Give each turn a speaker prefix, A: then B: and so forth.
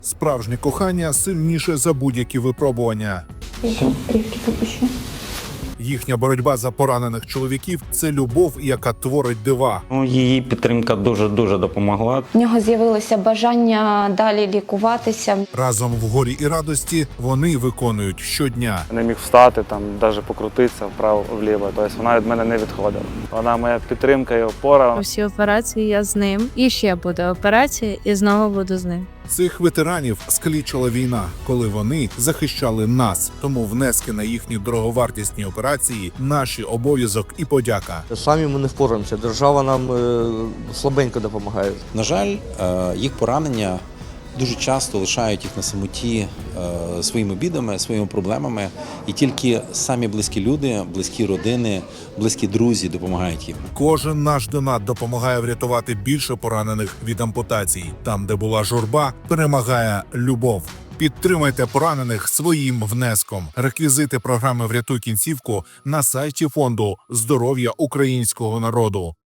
A: Справжнє кохання сильніше за будь-які випробування.
B: Рівки попущу.
A: Їхня боротьба за поранених чоловіків – це любов, яка творить дива.
C: Її підтримка дуже допомогла.
B: В нього з'явилося бажання далі лікуватися.
A: Разом в горі і радості вони виконують щодня.
D: Не міг встати, там, навіть покрутитися вправо-вліво. Тобто вона від мене не відходила. Вона моя підтримка і опора.
E: Усі операції я з ним. І ще буде операція, і знову буду з ним.
A: Цих ветеранів скалічила війна, коли вони захищали нас. Тому внески на їхні дороговартісні операції – наші обов'язок і подяка.
F: Самі ми не впораємося, держава нам слабенько допомагає.
G: На жаль, їх поранення дуже часто лишають їх на самоті своїми бідами, своїми проблемами. І тільки самі близькі люди, близькі родини, близькі друзі допомагають їм.
A: Кожен наш донат допомагає врятувати більше поранених від ампутацій. Там, де була журба, перемагає любов. Підтримайте поранених своїм внеском. Реквізити програми «Врятуй кінцівку» на сайті фонду «Здоров'я українського народу».